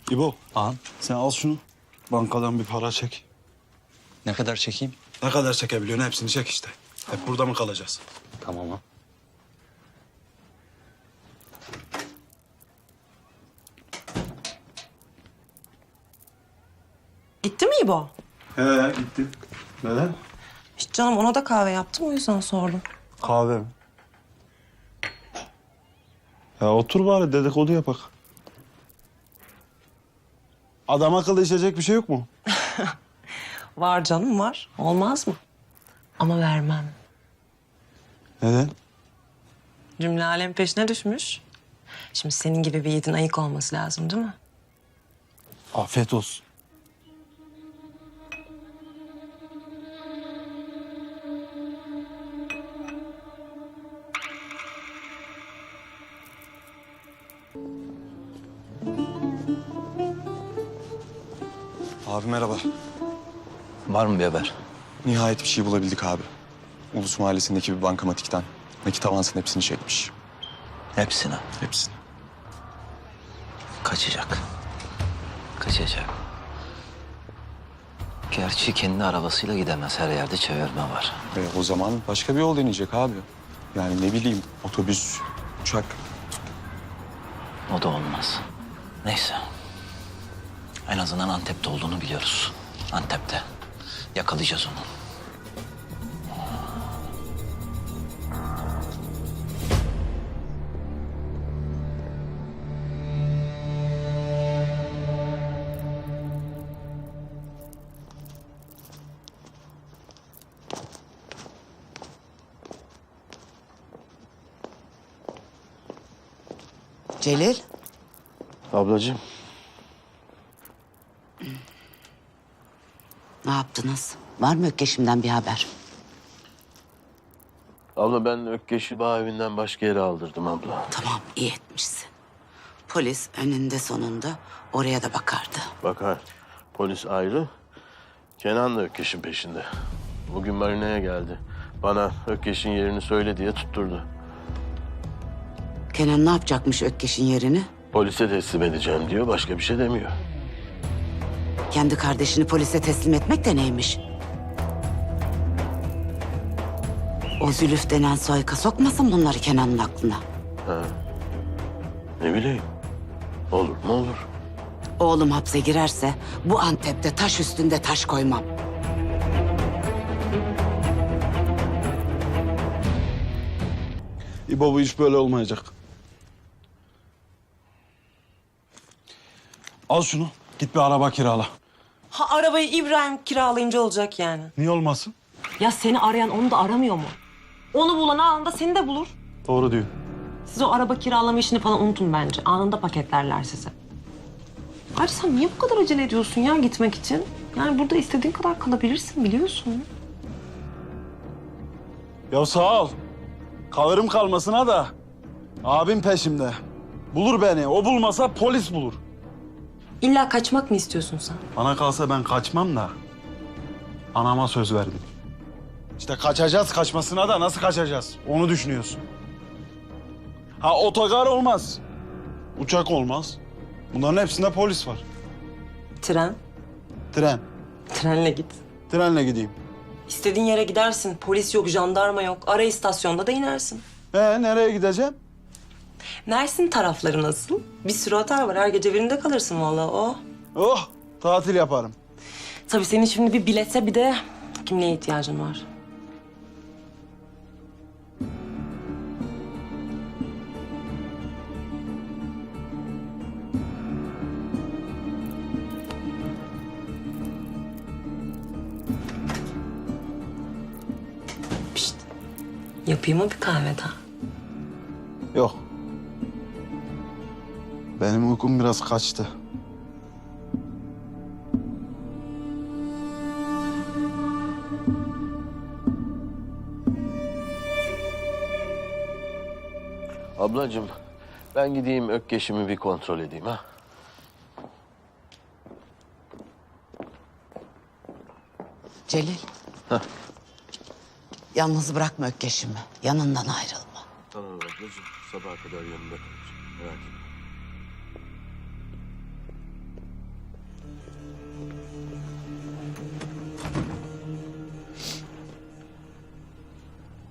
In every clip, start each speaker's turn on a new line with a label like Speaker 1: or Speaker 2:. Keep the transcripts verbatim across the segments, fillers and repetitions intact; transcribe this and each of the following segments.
Speaker 1: İbo,
Speaker 2: Ağam,
Speaker 1: sen al şunu. Bankadan bir para çek.
Speaker 2: ne kadar çekeyim?
Speaker 1: Ne kadar çekebiliyorsun hepsini çek işte. Hep burada mı kalacağız?
Speaker 2: Tamam ağam.
Speaker 3: Gitti mi İbo?
Speaker 1: He gitti. Neden?
Speaker 3: Hiç canım ona da kahve yaptım o yüzden sordum.
Speaker 1: Kahve mi? Ya otur bari dedikodu yapak. Adam akıllı içecek bir şey yok mu?
Speaker 3: Var canım var. Olmaz mı? Ama vermem.
Speaker 1: Neden?
Speaker 3: Cümle alem peşine düşmüş. Şimdi senin gibi bir yiğidin ayık olması lazım değil mi?
Speaker 1: Afiyet olsun.
Speaker 4: Abi merhaba.
Speaker 2: Var mı bir haber?
Speaker 4: Nihayet bir şey bulabildik abi. Ulus Mahallesi'ndeki bir bankamatikten nakit avansın hepsini çekmiş.
Speaker 2: Hepsini.
Speaker 4: Hepsini.
Speaker 2: Kaçacak. Kaçacak. Gerçi kendi arabasıyla gidemez. Her yerde çevirme var.
Speaker 4: Ve o zaman başka bir yol deneyecek abi. Yani ne bileyim otobüs, uçak.
Speaker 2: O da olmaz. Neyse. En azından Antep'te olduğunu biliyoruz. Antep'te. Yakalayacağız onu.
Speaker 5: Celil,
Speaker 6: Ablacığım,
Speaker 5: ne yaptınız? Var mı Ökkeş'imden bir haber?
Speaker 6: abla ben Ökkeş'i bağ evinden başka yere aldırdım abla.
Speaker 5: Tamam, iyi etmişsin. Polis önünde sonunda oraya da bakardı.
Speaker 6: Bakar, polis ayrı, Kenan da Ökkeş'in peşinde. Bugün marinaya geldi. Bana Ökkeş'in yerini söyle diye tutturdu.
Speaker 5: Kenan ne yapacakmış Ökkeş'in yerini?
Speaker 6: Polise teslim edeceğim diyor, başka bir şey demiyor.
Speaker 5: Kendi kardeşini polise teslim etmek de neymiş? O Zülüf denen soyka sokmasın bunları Kenan'ın aklına.
Speaker 6: Ha. Ne bileyim, olur mu olur.
Speaker 5: Oğlum hapse girerse bu Antep'te taş üstünde taş koymam.
Speaker 1: İbo bu iş böyle olmayacak. Al şunu. Git bir araba kirala.
Speaker 3: Ha arabayı İbrahim kiralayınca olacak yani.
Speaker 1: Niye olmasın?
Speaker 3: Ya seni arayan onu da aramıyor mu? Onu bulan anında seni de bulur.
Speaker 1: Doğru diyor.
Speaker 3: Siz o araba kiralama işini falan unutun bence. Anında paketlerler sizi. Ayrıca sen niye bu kadar acele ediyorsun ya gitmek için? Yani burada istediğin kadar kalabilirsin biliyorsun.
Speaker 1: Ya sağ ol. Kalırım kalmasına da. Abim peşimde. Bulur beni. O bulmasa polis bulur.
Speaker 3: İlla kaçmak mı istiyorsun sen?
Speaker 1: Bana kalsa ben kaçmam da. Anama söz verdim. İşte kaçacağız kaçmasına da nasıl kaçacağız? Onu düşünüyorsun. Ha otogar olmaz. Uçak olmaz. Bunların hepsinde polis var.
Speaker 3: Tren.
Speaker 1: Tren.
Speaker 3: Trenle git.
Speaker 1: Trenle gideyim.
Speaker 3: İstediğin yere gidersin. Polis yok, jandarma yok. Ara istasyonda da inersin.
Speaker 1: Ee nereye gideceğim?
Speaker 3: Mersin tarafları nasıl? Bir sürü otel var. Her gece birinde kalırsın vallahi o.
Speaker 1: Oh tatil yaparım.
Speaker 3: Tabii senin şimdi bir bilete bir de kimliğe ihtiyacın var. Pişt. Yapayım mı bir kahve daha?
Speaker 1: Yok. Benim uykum biraz kaçtı.
Speaker 6: Ablacığım, ben gideyim Ökkeş'imi bir kontrol edeyim ha.
Speaker 5: Celil.
Speaker 6: Heh.
Speaker 5: Yalnız bırakma Ökkeş'imi. Yanından ayrılma.
Speaker 6: Tamam ablacığım, sabaha kadar yanında kalacağım. Merak etme.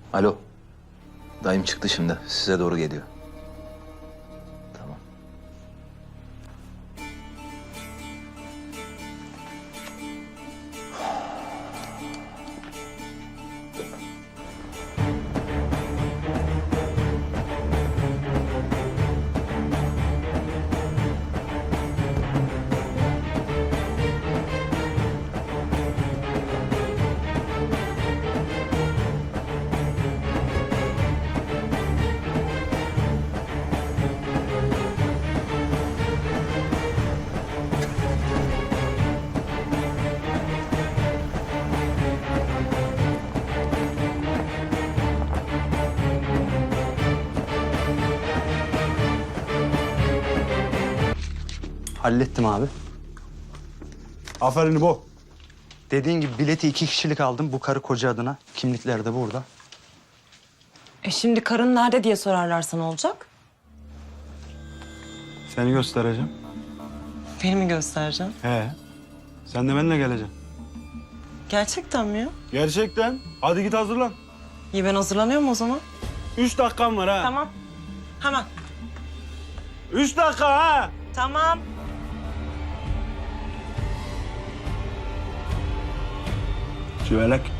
Speaker 2: Alo. Dayım çıktı şimdi. Size doğru geliyor. Tamam.
Speaker 7: Hallettim abi.
Speaker 1: Aferin bu.
Speaker 7: Dediğin gibi bileti iki kişilik aldım bu karı koca adına. Kimlikler de burada.
Speaker 3: E şimdi karın nerede diye sorarlarsa ne olacak?
Speaker 1: Seni göstereceğim.
Speaker 3: Beni mi göstereceksin?
Speaker 1: He. Sen de benimle geleceksin.
Speaker 3: Gerçekten mi ya?
Speaker 1: Gerçekten. Hadi git hazırlan.
Speaker 3: İyi ben hazırlanıyorum o zaman.
Speaker 1: Üç dakikan var ha.
Speaker 3: Tamam. Hemen.
Speaker 1: Üç dakika ha.
Speaker 3: Tamam.
Speaker 1: Çüvelek.